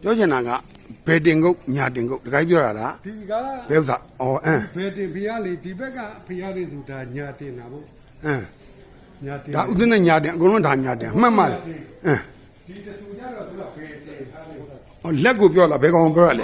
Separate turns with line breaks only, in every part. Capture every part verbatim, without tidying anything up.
ပြောချင်တာကဘယ်တင်ကုတ်ညာတင်ကုတ်တခါပြောတာလား
ဒီက
ဘယ်ဥစ္စာအော်အင်း
ဘယ်တင်ဖျားလေဒီဘက်ကဖျားလေးဆိုတာညာတင်တာပေါ့
အင်း
ညာတင်
ဒါဥဒင်းနဲ့ညာတင်အကုန်လုံးဒါညာတင်မှတ်မှတ်အင်း
ဒီတဆူကြတော့သူကဘယ်တင်ထားလဲ
ဟောလက်ကိုပြောလာဘယ်ကောင်ပြောရလဲ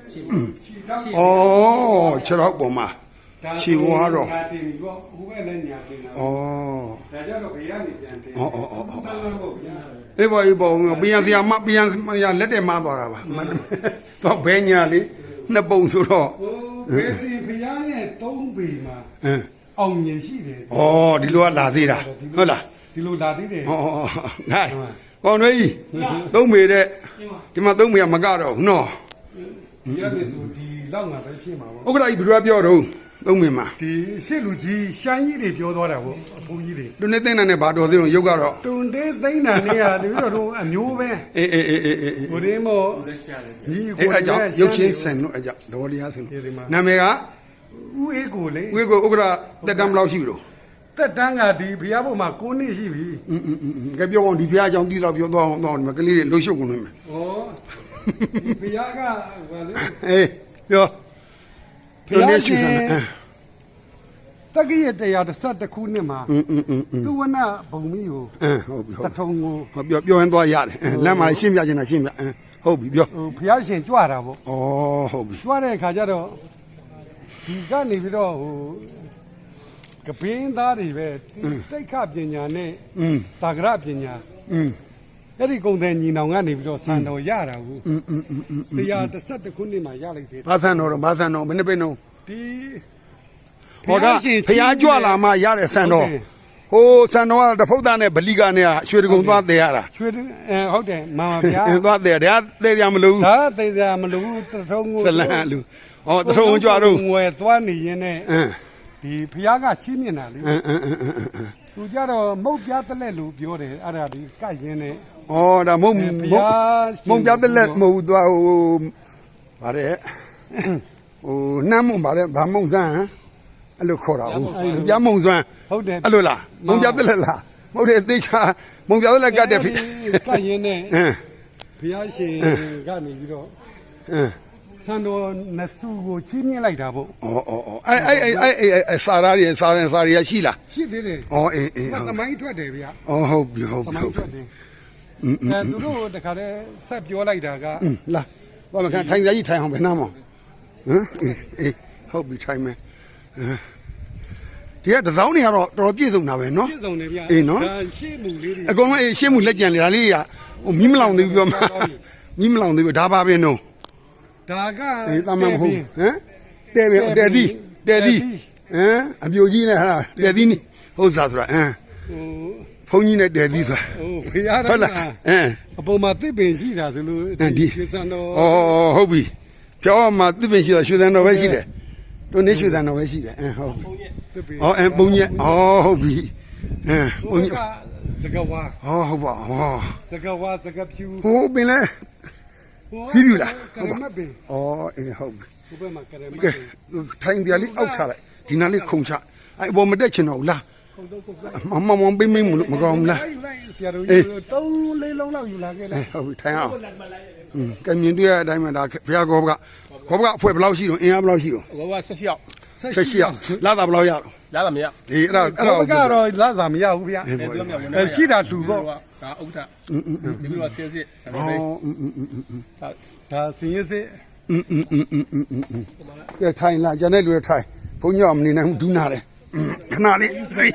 အော်ခြေတော့ပုံမှာခြေဝါတော့
ညာတင်ပြီးတော့ဟိုဘက်လည်းညာတင်တာ
အော်
ဒါကြတော့ဘယ်ကနေပြန်တင်
အော်အော်အော်
ဆန်းလန်းပေါ့ဗျာ
အေးပေါ်အေးပေါ်ပြန်စရာမပြန်ရလက်တယ်မသွားတာပါတော့ဘယ်ညာလေးနှစ်ပုံဆိုတော့
ဘယ်တင်ဖျားရဲ့သုံးပေမှာ
အင်း
အောင်မြင်ရှိတယ်
ဩဒီလိုကလာသေးတာဟုတ်လား
ဒီလိုလာသေးတယ်
ဩဩဟဲ့ကောင်းတွေကြီးသုံးပေတဲ့ဒီမှာသုံးပေကမကတော့ဘူးနော်
ဒီရမယ်ဆိုဒီလောက်ငါပဲဖြစ်မှာပေါ့
ဥက္ကဋ္ဌကြီးဘယ်လိုပြောတော့သုံးပေမှာ
ဒီရှစ်လူကြီးရှမ်းကြီးတွေပြောသွားတာပေါ့အဖိုးကြီးတွေ
တွန်းနေသိန်းနဲ့ဘာတော်သေးတော့ရုပ်ကတော့
တွန်းသေးသိန်းနဲ့နေရတပြီးတော့အမျိုးပဲ
အေးအေးအေးအေးအေး
ကိုရင်းမို့
ညီကိုအကြောင်းရုပ်ချင်းဆန်တို့အကြောင်းတော်တရားဆန်နာမည်က
ဦးအေးကိုလေ
ဦးအေးကိုဥက္ကဋ္ဌတက်တန်းဘယ်လောက်ရှိပြီလို့
တက်တန်းကဒီဘုရားဘုံမှာ၉နှစ်ရှိပြီ
อืมๆๆကဲပြောအောင်ဒီဘုရားအကြောင်းတီးတော့ပြောတော့တော့ဒီမှာကလေးတွေလှုပ်ရှုပ်ကုန်နေမယ်
ဩဒီဘုရားကဘာလဲ
အေးပြော
ဘုရားရှင်တက္ကရာတရားတစ်ဆက်တစ်ခုနှစ်မှာ
อืมๆๆ
သူဝနဘုံမီကို
အင်းဟုတ်ပြီဟုတ်
တထုံကို
ဟောပြောပြောရင်သွားရတယ်လမ်းမှာရှင်းပြချင်တာရှင်းပြအင်းဟုတ်ပြီပြော
ဟိုဘုရားရှင်ကြွတာပေါ့
ဩဟုတ်ပြီ
ကြွတဲ့အခါကျတော့ဒီကနေပြီးတော့ဟိုကပင်းသားတွေပဲတိတ်ခပညာနဲ့တာဂရပညာအဲ့ဒီကုံတဲ့ညီနောင်ကနေပြီးတော့စံတော်ရတာဘူးတရားတစ်ဆက်တစ်ခုနှစ်မှာရလိုက်တယ်
ဘာစံတော်တော့ဘာစံတော်ဘယ်နှပိနှုံး
ဒီ
ဟောဒါဖျားကြွလာမှရတဲ့စံတော်ဟိုစံတော်ကတဖုတ်သားနဲ့ဗလီကနဲ့ရွှေတကုံသွားသေးရတာ
ရွှေအဲဟုတ်တယ်မာမဗျာ
သွားသေးတယ်ဒါသေးရမလို့
ဒါသေးရမလို့တထုံးကို
ဇလန်လူဟောတထုံးကြွတော့
ငွယ်သွားနေရင်နဲ့ဒီဖျားကချီးမြင်တာလေသူကြတော့မုတ်ပြားတက်လက်လို့ပြောတယ်အဲ့ဒါဒီကတ်ရင်းနဲ့
ဩဒါမုံမုံမုံပြတ်တဲ့လက်မဟုတ်သွားဟိုဗါတဲ့ဟိုနှမ်းမုံဗါတဲ့ဗာမုံစမ်းအဲ့လိုခေါ်တာဟုတ်ပြမုံစွမ်း
ဟုတ်တယ်
အဲ့လိုလားမုံပြတ်တဲ့လက်လားမဟုတ်တယ်သိချာမုံပြတ်တဲ့လက်ကတ်တယ်ဖြစ်
ကတ်ရင်းနဲ့ဘုရားရှင်ကနေပြီးတော့
အင်း
ဆန်တော်နစုကိုချီးမြှင့်လိုက်တာပေါ့
ဩဩဩအဲ့အဲ့အဲ့အဲ့အဲ့စာရာတွေစာရင်စာရီရှိလား
ရှိသေးတယ်
ဩအေးအေး
သမိုင်းထွက်တယ်ဗျာ
ဩဟုတ်ပြီဟုတ်ပြီဟုတ်ပြီ
အဲသူတို့တခါတည်းဆက်ပြောလိုက်တာက
လာဘာမခံထိုင်ကြကြီးထိုင်အောင်ဘယ်နှမ်းမဟမ်အေးအေးဟုတ်ပြီထိုင်မယ်ဒီကတစောင်းတွေကတော့တော်တော်ပြည့်စုံတာပဲနော်
ပြည့်စုံတယ်ဗျာ
အေးနော်
ဒါရှေ့မှုလေးတွေ
အကုန်လုံးအေးရှေ့မှုလက်ကြံလေဒါလေးကဟိုမီးမလောင်သေးဘူးပြောမှာမီးမလောင်သေးဘူးဒါပါပဲနော်
ဒါက
အေးတမန်ဟုတ်ဟမ်တဲပြီတဲသီးတဲသီးဟမ်အပြိုကြီးနဲ့ဟာတဲသီးနိဟုတ်စားဆိုတာဟမ်ဟိုဘုန်းကြီးနဲ့တဲသီးဆိုတာ
ဟိုဖေရတာဟုတ်လား
အင်း
အပေါ်မှာတစ်ပင်ရှိတာဆိုလို့ဒီရွှေစံတော်
ဩဟုတ်ပြီပြောမှာတစ်ပင်ရှိတာရွှေစံတော်ပဲရှိတယ်တို့နေရွှေစံတော်ပဲရှိတယ်အင်းဟုတ်ဩအင်းပုံကြီးဩဟုတ်ပြီအင်းပုံကြီး
စကဝါ
ဩဟုတ်ပါဩ
စကဝါစကဖြူ
ဟိုပင်လဲစီးပြီလား
ကရမတ်ပင်
ဩအေးဟုတ်ပြီ
ဘုဘမှာကရမတ်
ပင်ထိုင်တယ်လေးအောက်ချလိုက်ဒီနားလေးခုံချအဲ့အပေါ်မတက်ချင်တော့ဘူးလားမမမပိမ့်မိမမကောင်းဘူးလား
ဆရာတို့ကြီးသုံးလေးလုံးလောက်ယူလာခဲ့လား
ဟုတ်ပြီထိုင်အောင်อืมကမြင်တွေ့ရတဲ့အတိုင်းမှာဒါဘုရားကောဘကကောဘကအဖွဲဘယ်လောက်ရှိတော့အင်အားဘယ်လောက်ရှိတော့
ကောဘကဆက်ရှိအောင်
ဆက်ရှိအောင်လာတာဘယ်လောက်ရတော့
လာတာမရ
ဒီအဲ့ဒါ
အဲ့တော့ကတော့လာစာမရဘူးဗျာအဲရှိတာလူပေါ့
ဒါဥက္ကဋ္ဌอืมๆဒီလိုဆင်းစစ်
ဒါပဲอืม
ๆဒါဒါစင်းရစစ်
อืมๆๆๆကဲထိုင်လာကျန်တဲ့လူတွေထိုင်ဘုန်းကြီးကမနေနိုင်ဘူးဒူးနာတယ်ခဏလေးအေးဟမ်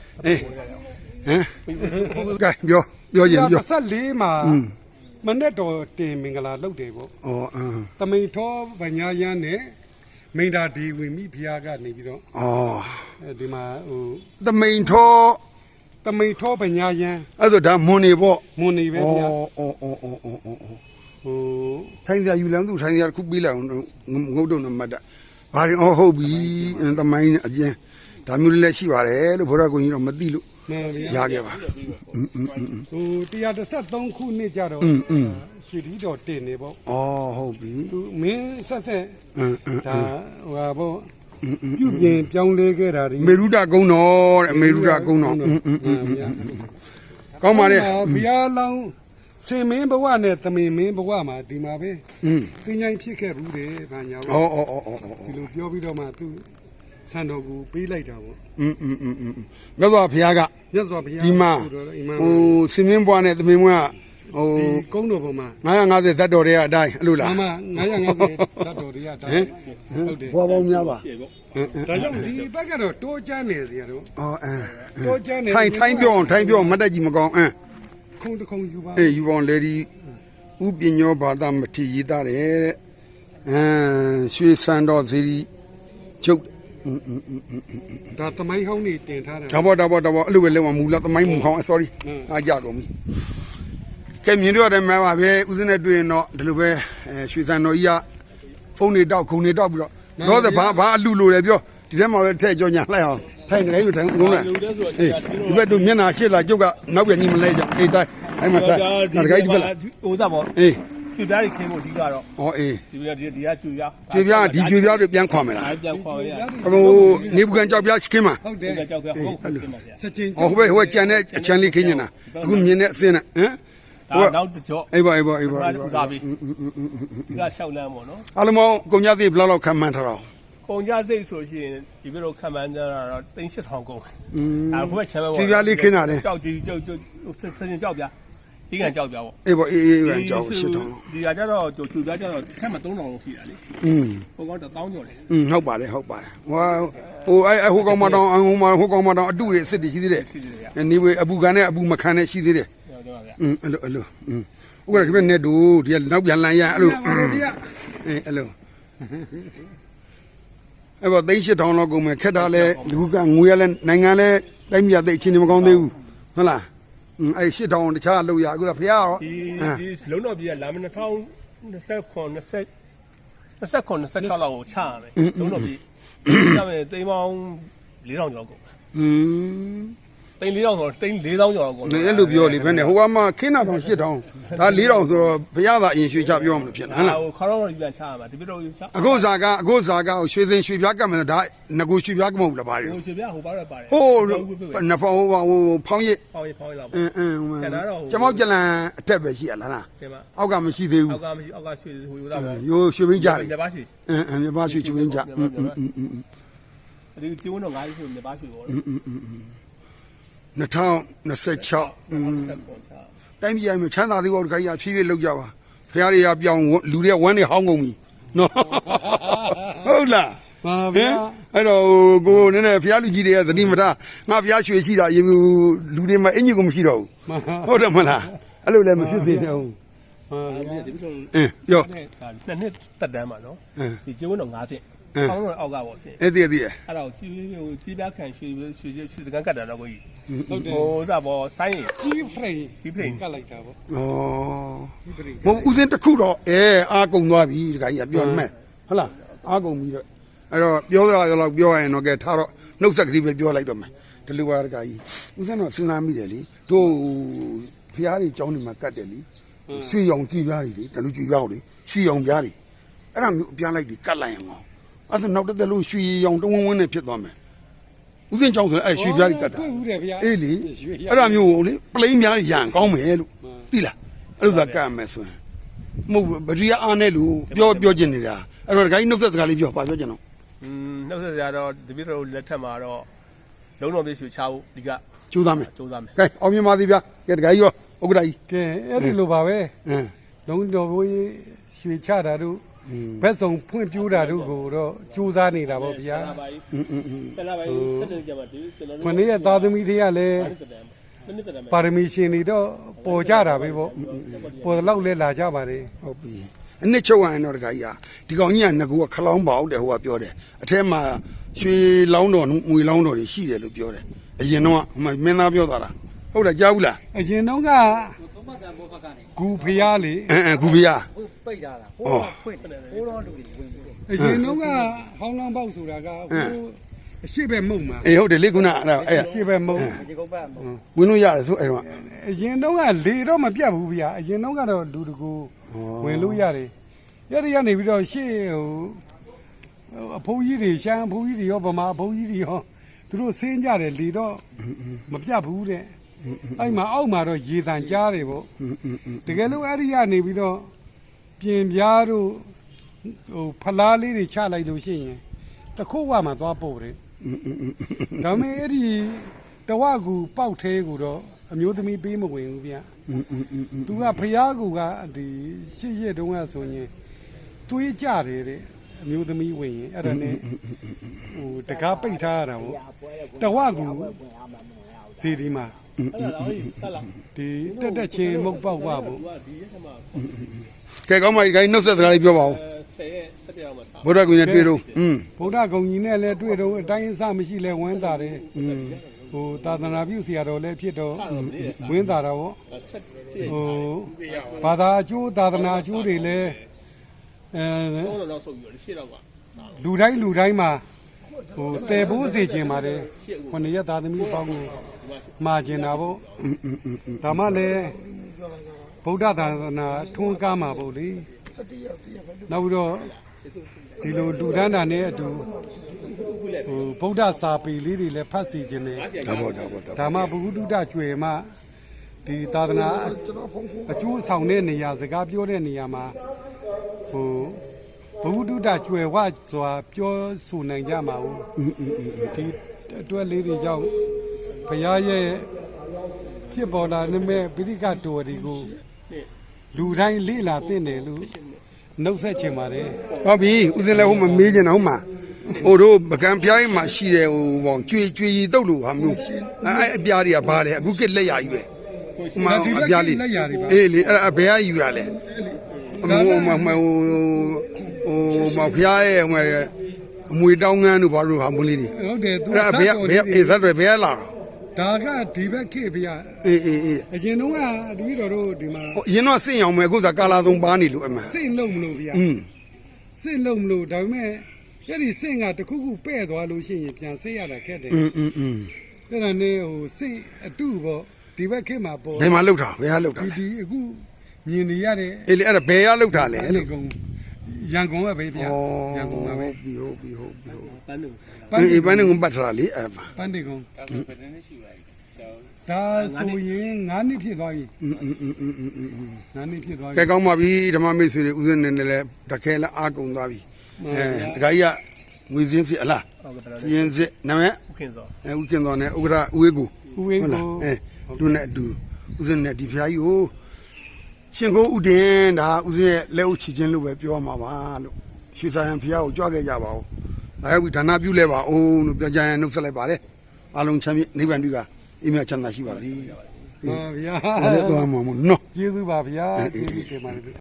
ကဲပြောပြောရင်ပြော
ဆက်လေးမှာမနဲ့တော်တင်မင်္ဂလာလုပ်တယ်ပေါ့
ဩအင်း
တမိန်ထောဗညာရန်နဲ့မိန်တာဒီဝင်မိဖုရားကနေပြီးတော့
ဩ
ဒီမှာဟို
တမိန်ထော
တမိန်ထောဗညာရန်
အဲ့ဒါဒါမွန်နေပေါ့
မွန်နေပဲဗျာ
ဩဩဩဩဩဟိုထိုင်ကြယူလမ်းသူထိုင်ကြခုပေးလိုက်အောင်ငုတ်တော့မတ်တာဘာရင်ဩဟုတ်ပြီတမိုင်းအကျဉ်းဒါမျိုးလေးလည်းရှိပါတယ်လို့ဘုရားကိုကြီးတော့မသိလို့ရခဲ့ပါอืม
ๆဟိုတရားတစ်ဆက်သုံးခုနှစ်ကြတော့ရွှေဒီတော်တင်နေပေါ့
ဩဟုတ်ပြီ
သူမင်းဆက်ဆက်ဒါဟိုဟာပေါ့ပြုပြင်ပြောင်းလဲခဲ့တာဒီ
မေရုဒကုန်းတော်တဲ့မေရုဒကုန်းတော်ကောင်းပါလေ
ဘုရားလောင်းစင်မင်းဘဝနဲ့သမင်မင်းဘဝမှာဒီမှာပဲ
อืม
သင်္ချိုင်းဖြစ်ခဲ့ဘူးတယ်ဗာညာ
ဩ
ပေါ့
ဩဩဩဩ
ဒီလိုပြောပြီးတော့မှသူစံတော်ကိုပေးလိုက်တာပေါ့
อืมอืมอืมอืมမြတ်စွာဘုရားက
မြတ်စွာဘုရား
ဒီမှာ
ဆိုတော့အီမန်
ဟိုစင်မင်းဘွားနဲ့သမင်ဘွားကဟို
ဒီကုန်းတော်ပေါ်မှာ
နင်္ဂါးငါးဆယ်ဇတ်တော်တွေကအတိုင်းအဲ့လိုလား
အမငါးရာငါးဆယ်သတ်တော်တွေကဒါဟုတ်တယ်
ဘွားပေါင်းများပါ
ကျေပေါ့
ဒါကြောင့်ဒီဘက်ကတော့တိုးချမ်းနေစီရတော့
ဩအဲ
တိုးချမ်းနေ
ထိုင်ထိုင်ပြောအောင်ထိုင်ပြောအောင်မတ်တက်ကြီးမကောင်းအင်း
ခုံတခုံယူပါ
အေးယူပေါင်းလေဒီဥပညောဘာသာမထေရေးသားတယ်တဲ့အမ်ရွှေစံတော်ဇီရီကျုပ်อืมอืมอืมอืม
ဒါသမိုင်းဟောင်းနေတင်ထားတာ
ဒါပေါ့ဒါပေါ့ဒါပေါ့အဲ့လိုပဲလုံးဝမူလာသမိုင်းမူဟောင်း sorry အားကြကုန်ပြီကဲမြင်တော့တယ်မှာပါပဲဦးစင်းနဲ့တွေ့ရင်တော့ဒီလိုပဲအဲရွှေစံတော်ကြီးကဖုန်းတွေတောက်ခုံတွေတောက်ပြီးတော့တော့ဘာဘာအလူလိုတယ်ပြောဒီထဲမှာပဲထည့်ကြောညာလိုက်အောင်ထိုင်တယ်လို့ထိုင်ကုန်လား
လူတဲ့ဆို
အေးဒီဘက်တို့မျက်နှာရှစ်လာကျုပ်ကနောက်ပြန်ကြီးမလဲကြအေးတိုင်းအဲ့မှာတိုင်းနောက်တစ်ခါဒီဘက်လာ
ဟိုသားပေါ့
အေး
ကျွပြားကြီးခင်းဖို့ဒီကတော့
ဩအေး
ဒီကဒီဒီကကျွပြား
ကျွေပြားဒီကျွေပြားတွေပြန်ခွာမယ်လား
အားပြန်ခေါ်ရ
ဟိုနေဘူးကန်ကြောက်ပြားခင်းမှာ
ဟုတ်တ
ဒီ
ယ်
ကကြောက်ပြားဟုတ်ကဲ့ပါဗျာ
စကြင်
ဟောဟိုဘက်ဟိုကျန်တဲ့အချမ်းလေးခင်းနေတာအခုမြင်တဲ့အစင်းနဲ့ဟမ်
ဒါနောက်ကြော့
အေးပါအေးပါအေးပါ
ဒါ
အေး
ဥ
ပါ
သာပြီဒီကလျှောက်လမ်းပေါ့နော်
အလုံးမောင်းကုန်ကြသေးဘယ်လောက်လောက်ခံမှန်းထားတော့
ပုံကြစိတ်ဆိုရှင်ဒီဘက်တော့ခံမှန်းကြတာတော့တိန်းရှစ်ထောင်ကုန်အဲဘက်ချမ်းပဲပေါ့
ကျွေပြားလေးခင်းတာလေ
ကြောက်ကြီးကြောက်ကြောက်စစင်ကြောက်ပြားဒီကကြောက်ပြားပေါ့
အေးပါအေးအေးပဲကြောက်ရှစ်ထောင်
ဒီကကြတော့ကျွပြားကြတော့ဆက်မသုံးတော်လုံးရှိတာလေ
อืม
ဟိုကတော့တောင်းကြော်လေ
อืมဟုတ်ပါတယ်ဟုတ်ပါတယ်ဟိုဟိုအဲ့ဟိုကောင်မတောင်ဟိုမှာဟိုကောင်မတောင်အတုတွေအစ်စ်တွေရှိသေးတယ်
ရှိတယ်ဗျာ
နေဝေအပူခံနဲ့အပူမခံနဲ့ရှိသေးတယ်
ကျွန်တော်ဗျာ
อืมအဲ့လိုအဲ့လိုอืมဥက္ကဋ္ဌခင်ဗျနဲ့တူဒီကနောက်ပြန်လန်ရအဲ့လို
ပါလို့ဒီက
အေးအဲ့လိုအဲ့တော့သိန်းရှစ်ထောင်လောက်ကုန်မယ်ခက်တာလဲလူကငွေရလဲနိုင်ငံလဲတိုင်းပြည်သိအချင်းမကောင်းသေးဘူးဟုတ်လားอืมအဲ့ရှစ်ထောင်တခြားလောက်ရအခုကဖះရော
ဒီဒီလုံးတော်ပြည်ကလာမနှစ်ထောင်နှစ်ဆက်ခွန်နှစ်ဆက်နှစ်ဆက်ခွန်နှစ်ဆက်၆လောက်ကိုချရမယ်လုံးတော်ပြည်ချမယ်တိမ်ပေါင်း၄ထောင်ကျော်ကုန်
อืม
တိမ်၄ထောင်ဆိုတိမ်၄ထောင်ကျော်ကုန်
အဲ့လိုပြောလေဘယ်နဲ့ဟိုကမှခင်းတာတောင်ရှစ်ထောင်ဒါလေးထောင်ဆိုတော့ဘုရားသာအရင်ရွှေချပြောမှလို့ဖြစ်လားဟမ်လား
ဟိုခါတော့ပြန်ချရမှာဒီပြတော့ချ
အခုဇာကအခုဇာကရွှေစင်ရွှေပြားကတ်မယ်ဒါငကိုရွှေပြားကမဟုတ်လားဗါတယ်
ဟိုရှင်ပြဟိုပါတော့ပါတယ်
ဟိုးနဖောင်းဟိုဟိုဖောင်းရစ်
ပေါင်းရပေါင်းရလောက်
အင်းအင်း
ကျန်တာတော့
ကျမောက်ကြလန်အထက်ပဲရှိရလားလား
တင်ပါ
အောက်ကမရှိသေးဘူး
အောက်ကမရှိအောက်ကရွှေဟိုယူသားပေါ့
ရိုးရွှေဘင်းကြတယ်
လက်ပါရွှေ
အင်းအင်းမြပါရွှေချွေးကြအင်းအင်းအင်းအင်း
ဒီကျိုးတော့ငါးရွှေလက်ပါရွှေပေါ့
နှစ်ထောင်နှစ်ဆယ်ခြောက်
ဆက်ခွန်ချ
တိုင်းပြည်မှာချမ်းသာသေးဘောတခါကြီးဖြည်းဖြည်းလောက်ကြပါဖះတွေကပြောင်းလူတွေကဝမ်းတွေဟောင်းကုန်ပြီနော်ဟုတ်လား
ပါ
ဟ
ဗျာ
င်အဲ့တော့ကိုနည်းနည်းဖះလူကြီးတွေကသတိမထားငါဖះရွှေရှိတာရေလူတွေမှာအင်ကြီးကိုမရှိတော့ဘူးဟုတ်တယ်မလားအဲ့လိုလည်းမဖြစ်စေနဲ့ဟုတ်
ပါဗျာ
ဒီပြတော့
အင်းပြော
နှစ်နှစ်တက်တန်းမှာနော်
အင်း
ဒီကျိုးတော့ငါးဆင့်ပေါင်းတော့အောက်ကပေါ့ဆင့်
အဲ့ဒီအဲ့ဒီ
အဲ့တော့ကြီးဟိုကြီးပြားခံရွှေရွှေရွှေတကန်ကတ်တာတော့ကိုကြီးဟုတ်တယ်ဟိုစပေါ်ဆိုင်း
ကြီးဖရိန်
ကြီးဖိန်
ကတ်လိုက်တာပေါ့
ဩမဟုတ်ဦးစင်းတစ်ခုတော့အဲအားကုန်သွားပြီတခါကြီးပြောမှန်းဟုတ်လားအားကုန်ပြီတော့အဲ့တော့ပြောတော့တော့ပြောရရင်တော့ကဲထားတော့နှုတ်ဆက်ကလေးပဲပြောလိုက်တော့မယ်ဒီလိုပါတခါကြီးဦးစင်းတော့စဉ်းစားမိတယ်လေတို့ဖះတွေကြောင်းနေမှာကတ်တယ်လေရွှေရောင်ကြည်ပြားတွေလေတလူကြည်ပြားတွေရွှေရောင်ပြားတွေအဲ့ဒါမျိုးအပြားလိုက်ပြီးကတ်လိုက်ရင်ကောအဲ့ဒါနောက်တစ်သက်လုံးရွှေရောင်တဝန်းဝန်းနဲ့ဖြစ်သွားမယ်ဦးစင်းကြောင်းဆိုအဲ့ရွှေပြားတွေကတ်တာ
တွေ့ဘူးတယ်ဗျာ
အေးလေအဲ့ဒါမျိုးကိုလေပလိန်များရန်ကောင်းမယ်လို့သိလားအဲ့လိုသာကတ်မယ်ဆိုရင်မဟုတ်ဗတိယအားနဲ့လို့ပြောပြောချင်နေတာအဲ့တော့ဒကာကြီးနှုတ်ဆက်စကားလေးပြောပါပြောချင်တော့
อืมနှုတ်ဆက်ကြတော့ဒီပြတော့လက်ထက်မှာတော့လုံးတော်ပြည့်ရွှေချဖို့ဒီက
ကျိုးသားမယ်
စူးစမ်းမယ်
ကဲအောင်မြင်ပါသေးဗျာကဲဒကာကြီးရောဥက္ကဋ္ဌကြီး
ကဲအဲ့ဒီလိုပါပဲ
အင်း
လုံးတော်ဘိုးကြီးရွှေချတာတို့ဘက်ဆောင်ဖွင့်ပြိုးတာတို့ကိုတော့စူးစမ်းနေတာပေါ့ဗျာ
ဆလာပိုင်းဆလာပိုင်းဆက်နေကြမှာဒီကျွန်တော်
ခဏရဲ့သားသမီးတွေကလည်း
တက်တယ်မနစ်တက်တယ်
ပါရမီရှင်တွေတော့ပေါ်ကြတာပဲပေါ့ပေါ်တော့လဲလာကြပါတယ်
ဟုတ်ပြီအနှစ်ချုပ်ရရင်တော့ဒကာကြီးဟာဒီကောင်ကြီးကငကူကခလောင်းပေါက်တယ်ဟိုကပြောတယ်အထက်မှာရွှေလောင်းတော်ငွေလောင်းတော်တွေရှိတယ်လို့ပြောတယ်အရင်တော့မင်းသားပြောသွားတာဟုတ်တယ်ကြားဘူးလား
အရင်တော့က
သုံးပတ်တန်ဘောဖက်ကနေ
ဂူဖျားလေ
အင်းအင်းဂူပြာ
ဟိုပိတ်ထားတာဟို
အော်
တော့ဖွင့်တယ်ဟိုတော့လူတွေဝင်ပြီးတယ်
အရင်တော့ကဟောင်းလောင်းပေါက်ဆိုတာကဟိုအရှိပဲမုံမှာ
အေးဟုတ်တယ်လေခုနအဲ့ဒါအဲ့
အရှိပဲမုံ
ဒီကုန်းပတ်မဟုတ်
ဝင်လို့ရတယ်ဆိုအဲ့တော့
အရင်တော့ကလေတော့မပြတ်ဘူးဗျာအရင်တော့ကတော့လူတကူဝင်လို့ရတယ်ရရကနေပြီးတော့ရှေ့ဟိုအဖိုးကြီးတွေရှမ်းအဖိုးကြီးတွေရောဗမာအဖိုးကြီးတွေရောသူတို့ဆင်းကြတယ်လေတော့မပြတ်ဘူးတဲ့
ဟ
အဲ့မှာအောက်မှာတော့ရေတန်ကြားတယ်ပေါ့တကယ်လို့အဲ့ဒီကနေပြီးတော့ပြင်ပြားတို့ဟိုဖလားလေးတွေချလိုက်လို့ရှိရင်တခုတ်ဝမှာသွားပို့တယ်ဒါပေမဲ့အဲ့ဒီတဝကူပေါက်သေးကူတော့အမျိုးသမီးပေးမဝင်ဘူးဗျသူကဖျားကူကဒီရှစ်ရက်တုန်းကဆိုရင်သွေးကြတယ်တဲ့အမျိုးသမီးဝင်ရင်အဲ့ဒါနဲ့ဟိုတကားပိတ်ထားရတာပေါ့တဝကူစီဒီမှာဒီတက်တက်ချင်းမုတ်ပေါက်ပါပေါ့
ကဲကောင်းပါပြီခိုင်းနှုတ်ဆက်စကားလေးပြောပါဦး
ဆယ်ရက်ဆက်ပြောင်းမှာ
ဘုရားကွင်နဲ့တွေ့တော့อืม
ဗုဒ္ဓဂုံကြီးနဲ့လည်းတွေ့တော့အတိုင်းအစမရှိလဲဝမ်းသာတယ်ဟိုသာသနာပြုဆရာတော်လည်းဖြစ်တော့ဝမ်းသာတာပေါ့
ဆက်ပြည့်
ဟိုဘာသာအကျိုးသာသနာအကျိုးတွေလည်းအဲ
တော့တော့ဆုပ်ပြီးတော့ရှေ့တော့က
လူတိုင်းလူတိုင်းမှာဟိုတည်ဖို့စေခြင်းပါတယ်ခொနည်းသားသမီးပေါင်းကိုမှာကျင်တာပေါ့ဒါမှလည်းဗုဒ္ဓသာသနာထွန်းကားမှာပေါ့လေနောက်ပြီးတော့ဒီလိုလူဒန်းတာနဲ့အတူဟိုဗုဒ္ဓစာပေလေးတွေလည်းဖတ်စီခြင်းတယ်
ဒါပေါ့ဒါပေါ့ဒါ
ဒါမှဘုဟုတုတကျွယ်မှဒီသာသနာအကျိုးဆောင်တဲ့နေရာစကားပြောတဲ့နေရာမှာဟိုဘုဟုတုတကျွယ်ဝစွာပြောဆိုနိုင်ကြမှာဘူးဒီအတွက်လေးတွေကြောင့်ဘုရားရဲ့ဖြစ်ပေါ်လာတဲ့ပိဋကတော်ဒီကိုလူတိုင်းလေ့လာသင့်တယ်လို့နှုတ်ဆက်ချင်ပါတယ်
ဟုတ်ပြီဦးစင်းလည်းဟိုမမေးချင်တော့ဟုတ်မှာဟိုတို့ပကံပြားကြီးမှာရှိတယ်ဟိုဘောင်ကျွေကျွေရီတုတ်လို့ဟာမျိုးအဲအပြားတွေကဘာလဲအခုကလက်ရကြီးပဲဟိုမှာအပြားလေးအေးလေအဲ့ဒါဘယ်ကယူရလဲဟိုဟိုဟိုဟိုမဖျားရဲ့ဟိုအမွေတောင်းငန်းတို့ဘာလို့ဟာမလေးတွေ
ဟုတ်တယ်သူ
အဲ့ဒါဘယ်ဘယ်အေးဇတ်တွေဘယ်လာ
ဒါကဒီဘက်ခေတ်ဗျာ
အေးအေးအေး
အရင်တုန်းကတပည့်တော်တို့ဒီမှာ
ဟိုအရင်တော့စင့်အောင်မယ်အခုစားကာလာသုံးပါနေလို့အမှန်
စိတ်လုံးမလို့ဗျာ
อืม
စိတ်လုံးမလို့ဒါပေမဲ့အဲ့ဒီစိတ်ကတခုခုပဲ့သွားလို့ရှိရင်ပြန်စိတ်ရတာခက်တယ်
อืมอืมอืม
အဲ့ဒါနဲ့ဟိုစိတ်အတုပေါ့ဒီဘက်ခေတ်မှာပေါ့
ဘယ်မှာလောက်တာဘယ်ဟာလောက်တာ
ဒီ
လဲ
ဒီအခုမြင်နေရတဲ့
အေးလေအဲ့ဒါဘယ်ဟာလောက်တာလဲ
အဲ့
လို့
ဒီကောင်ရန်ကုန်ကပဲဗျာရန်ကုန်ကပဲ
ဟုတ်ပြီဟုတ်ပြီဟုတ်ပြီဟုတ်
ပန်းတို့
ပြီအေးပန်းနေကပတ်ထားတာလေအဲ့မှာ
ပန်းတေကောင်
ဒါဆိုဘယ်နှစ်ရှိပါလဲဆရာ
ဒါဆိုရင်ငါးနှစ်ဖြစ်သွားပြီ
อืมอืมอืมอืมอืมอืม
ငါးနှစ်ဖြစ်သွား
ကဲ
ပြီ
ကောင်းပါပြီဓမ္မမိတ်ဆွေတွေဦးဇင်းနေနဲ့လည်းတခဲလည်းအားကုန်သွားပြီအဲတခါကြီးကငွေစင်းစစ်အလား
ဟုတ်ကဲ့
စင်းစစ်နာမည်
ဥခင်စော
အဲဦးကျင်တော်နဲ့ဥက္ကရာဦးဝေးကို
ဦးဝင်း
ဟုတ်
ကို
လားအဲသူနဲ့အတူဦးဇင်းနဲ့ဒီဖျားကြီးကိုရှင်ကိုဥတင်ဒါဦးဇင်းရဲ့လက်ဥချီချင်းလို့ပဲပြောမှာပါလို့ရွှေဆိုင်ရန်ဖျားကိုကြွခဲ့ကြပါဦးအဲဝိဒါနပြုလဲပါအောင်လို့ပြောကြရင်နှုတ်ဆက်လိုက်ပါတယ်အားလုံးချမ်းမြေ့နိဗ္ဗာန်ပြုကအိမ်မချမ်းသာရှိပါသည်
ပါဗျာ
အဲ့ဒါတော့မှာမနော်
ကျေးဇူးပါဗျာကျေးဇူးတင်ပါတယ်